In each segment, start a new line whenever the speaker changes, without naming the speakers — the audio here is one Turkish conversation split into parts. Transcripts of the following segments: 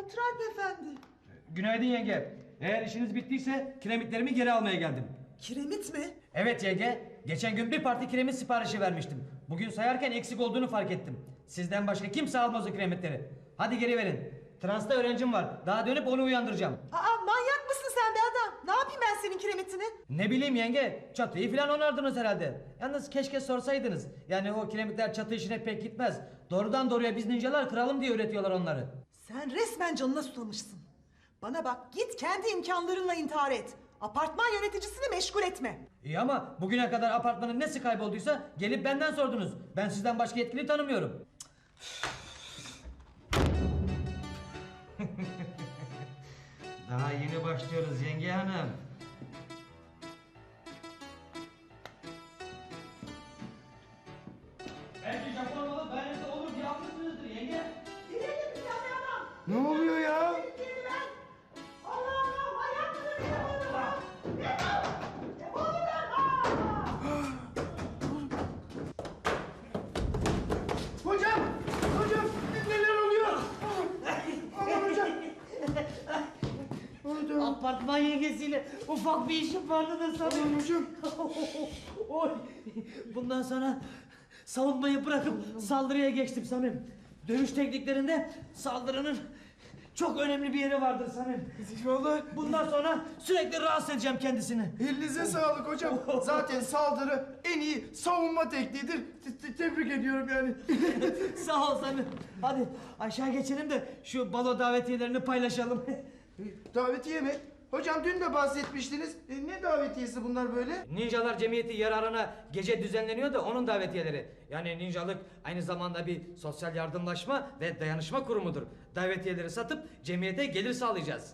Otur Alp Efendi.
Günaydın yenge. Eğer işiniz bittiyse kiremitlerimi geri almaya geldim.
Kiremit mi?
Evet yenge. Geçen gün bir parti kiremit siparişi vermiştim. Bugün sayarken eksik olduğunu fark ettim. Sizden başka kimse almaz o kiremitleri. Hadi geri verin. Transta öğrencim var. Daha dönüp onu uyandıracağım.
Aa, manyak mısın sen be adam? Ne yapayım ben senin kiremitini?
Ne bileyim yenge. Çatıyı falan onardınız herhalde. Yalnız keşke sorsaydınız. Yani o kiremitler çatı işine pek gitmez. Doğrudan doğruya biz ninjalar kıralım diye üretiyorlar onları.
Sen resmen canına susamışsın. Bana bak, git kendi imkanlarınla intihar et. Apartman yöneticisini meşgul etme.
İyi ama bugüne kadar apartmanın nesi kaybolduysa gelip benden sordunuz. Ben sizden başka yetkili tanımıyorum. Daha yeni başlıyoruz yenge hanım. Belki Japon olup benimle olur diye haklısınızdır yenge.
Gidelim bir tane adam.
Ne oluyor ya?
Gidin lan. Allah Allah, manyak mısın bir adam ya? Defol! Defol buradan!
Hocam! Hocam! Neler oluyor? Aman hocam! Hocam!
Apartman yengesiyle ufak bir işim vardı da sanırım.
Aman hocam!
Oy! Bundan sonra savunmayı bırakıp saldırıya geçtim Samim. Dövüş tekniklerinde saldırının çok önemli bir yeri vardır Samim.
Vallahi
Bundan sonra sürekli rahatsız edeceğim kendisini.
elinize sağlık hocam. Zaten saldırı en iyi savunma tekniğidir. Tebrik ediyorum yani.
Sağ ol Samim. Hadi aşağı geçelim de şu balo davetiyelerini paylaşalım.
Davetiye mi? Hocam dün de bahsetmiştiniz. Ne davetiyesi bunlar böyle?
Ninjalar Cemiyeti yararına gece düzenleniyor da onun davetiyeleri. Yani ninjalık aynı zamanda bir sosyal yardımlaşma ve dayanışma kurumudur. Davetiyeleri satıp cemiyete gelir sağlayacağız.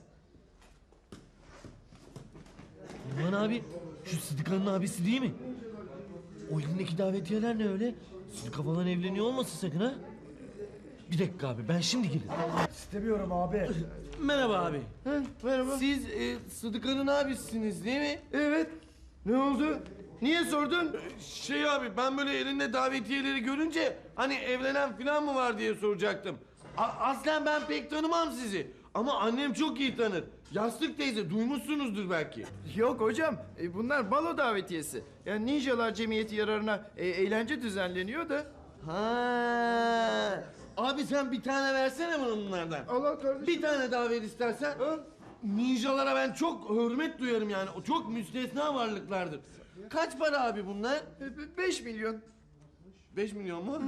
Aman abi, şu Sıdıka'nın abisi değil mi? O elindeki davetiyeler ne öyle? Sıdıka falan evleniyor olmasın sakın ha? Bir dakika abi, ben şimdi gelirim.
İstemiyorum abi.
Merhaba abi.
Merhaba.
Siz Sıdıka'nın abisiniz değil mi?
Evet. Ne oldu? Niye sordun?
Şey abi, ben böyle elinde davetiyeleri görünce hani evlenen falan mı var diye soracaktım. Aslen ben pek tanımam sizi. Ama annem çok iyi tanır. Yastık teyze, duymuşsunuzdur belki.
Yok hocam. Bunlar balo davetiyesi. Yani Ninjalar Cemiyeti yararına eğlence düzenleniyor da.
Ha. Abi sen bir tane versene bana bunlardan.
Allah kardeşim.
Bir tane daha ver istersen.
Al.
Ninjalara ben çok hürmet duyarım yani. O çok müstesna varlıklardır. Kaç para abi bunlar?
5 milyon.
5 milyon mu?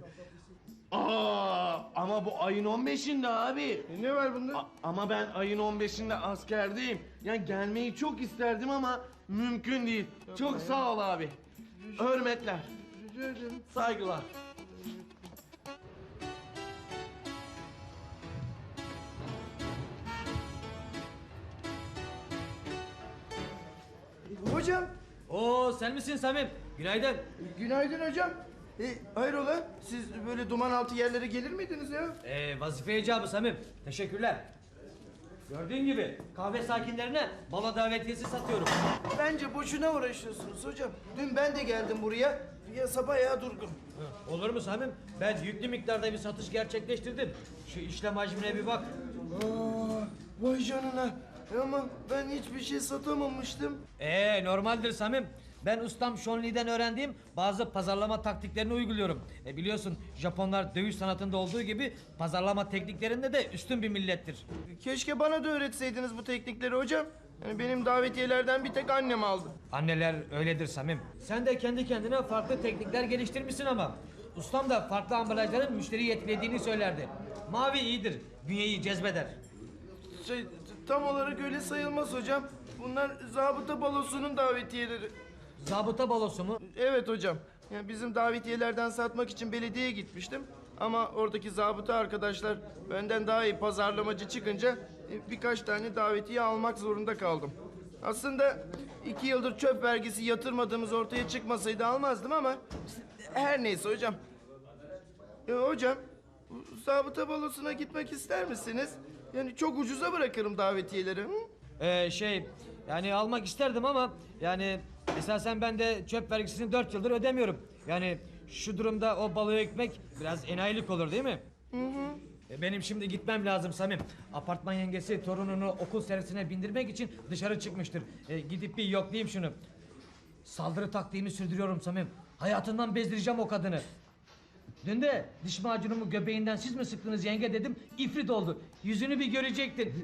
Aa, ama bu ayın 15'inde abi.
Ne var bunda?
Ama ben ayın 15'inde askerdeyim. Yani gelmeyi çok isterdim ama mümkün değil. Çok sağ ol abi. Hürmetler,
Rica ederim.
saygılar.
Hocam.
Oo sen misin Samim? Günaydın.
Günaydın hocam. Hayrola? Siz böyle duman altı yerlere gelir miydiniz ya?
Vazife icabı Samim. Teşekkürler. Gördüğün gibi kahve sakinlerine balo davetiyesi satıyorum.
Bence boşuna uğraşıyorsunuz hocam. Dün ben de geldim buraya. Piyasa bayağı durgun.
Olur mu Samim? Ben yüklü miktarda bir satış gerçekleştirdim. Şu işlem hacmine bir bak.
Aa, vay canına. Ama ben hiçbir şey satamamıştım.
Normaldir Samim. Ben ustam Sean Lee'den öğrendiğim bazı pazarlama taktiklerini uyguluyorum. Biliyorsun Japonlar dövüş sanatında olduğu gibi pazarlama tekniklerinde de üstün bir millettir.
Keşke bana da öğretseydiniz bu teknikleri hocam. Yani benim davetiyelerden bir tek annem aldı.
Anneler öyledir Samim. Sen de kendi kendine farklı teknikler geliştirmişsin ama. Ustam da farklı ambalajların müşteriyi etkilediğini söylerdi. Mavi iyidir, bünyeyi cezbeder.
Tam olarak öyle sayılmaz hocam. Bunlar zabıta balosunun davetiyeleri.
Zabıta balosu mu?
Evet hocam. Yani bizim davetiyelerden satmak için belediyeye gitmiştim. Ama oradaki zabıta arkadaşlar benden daha iyi pazarlamacı çıkınca birkaç tane davetiye almak zorunda kaldım. Aslında 2 yıldır çöp vergisi yatırmadığımız ortaya çıkmasaydı almazdım ama her neyse hocam. Hocam, zabıta balosuna gitmek ister misiniz? Yani çok ucuza bırakırım davetiyeleri. Hı?
Yani almak isterdim ama yani esasen ben de çöp vergisini 4 yıldır ödemiyorum. Yani şu durumda o baloya gitmek biraz enayilik olur değil mi? Benim şimdi gitmem lazım Samim. Apartman yengesi torununu okul servisine bindirmek için dışarı çıkmıştır. Gidip bir yoklayayım şunu. Saldırı taktiğimi sürdürüyorum Samim. Hayatından bezdireceğim o kadını. Dün de diş macunumu göbeğinden siz mi sıktınız yenge dedim. İfrit oldu. Yüzünü bir görecektin.